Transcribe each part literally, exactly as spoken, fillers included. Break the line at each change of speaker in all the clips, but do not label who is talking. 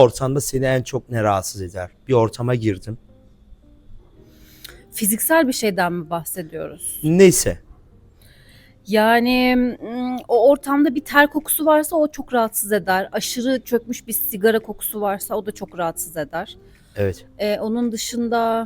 Ortamda seni en çok ne rahatsız eder? Bir ortama girdin.
Fiziksel bir şeyden mi bahsediyoruz?
Neyse.
Yani mm, o ortamda bir ter kokusu varsa o çok rahatsız eder. Aşırı çökmüş bir sigara kokusu varsa o da çok rahatsız eder.
Evet.
Ee, onun dışında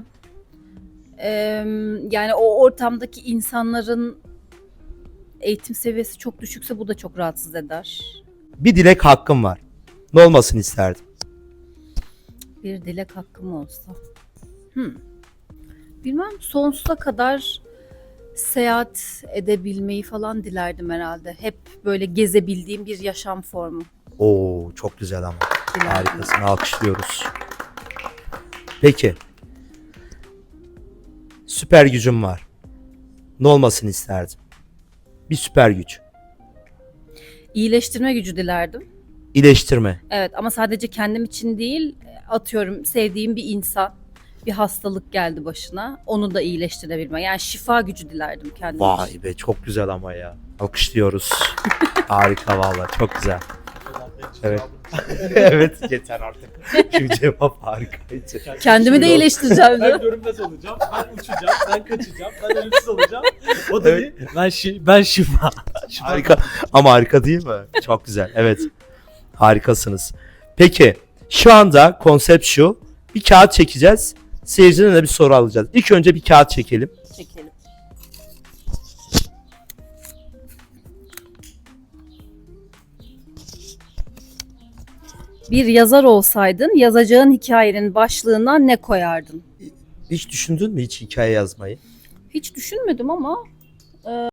em, yani o ortamdaki insanların eğitim seviyesi çok düşükse bu da çok rahatsız eder.
Bir dilek hakkım var. Ne olmasını isterdim?
Bir dilek hakkım olsa. Hmm. Bilmem, sonsuza kadar seyahat edebilmeyi falan dilerdim herhalde. Hep böyle gezebildiğim bir yaşam formu
Oo, çok güzel ama.
dilerdim.
Harikasın. Alkışlıyoruz. Peki. Süper gücüm var. Ne olmasını isterdim? Bir süper güç.
İyileştirme gücü dilerdim.
İyileştirme.
Evet, ama sadece kendim için değil, atıyorum sevdiğim bir insan bir hastalık geldi başına, onu da iyileştirebilme. Yani şifa gücü dilerdim kendim için.
Vay be, çok güzel ama ya. Alkışlıyoruz. Harika vallahi, çok güzel. Evet. Evet, yeter artık. Çünkü cevap harikaydı.
Kendimi de iyileştireceğim.
Ben görünmez olacağım, ben uçacağım, ben kaçacağım, ben ölümsüz olacağım. O da
Evet.
bir, ben, şi, ben şifa. şifa.
Harika. Ama harika değil mi? Çok güzel. Evet. Harikasınız. Peki, şu anda konsept şu. Bir kağıt çekeceğiz. Seyirciden de bir soru alacağız. İlk önce bir kağıt çekelim.
Çekelim. Bir yazar olsaydın, yazacağın hikayenin başlığına ne koyardın?
Hiç düşündün mü hiç hikaye yazmayı?
Hiç düşünmedim ama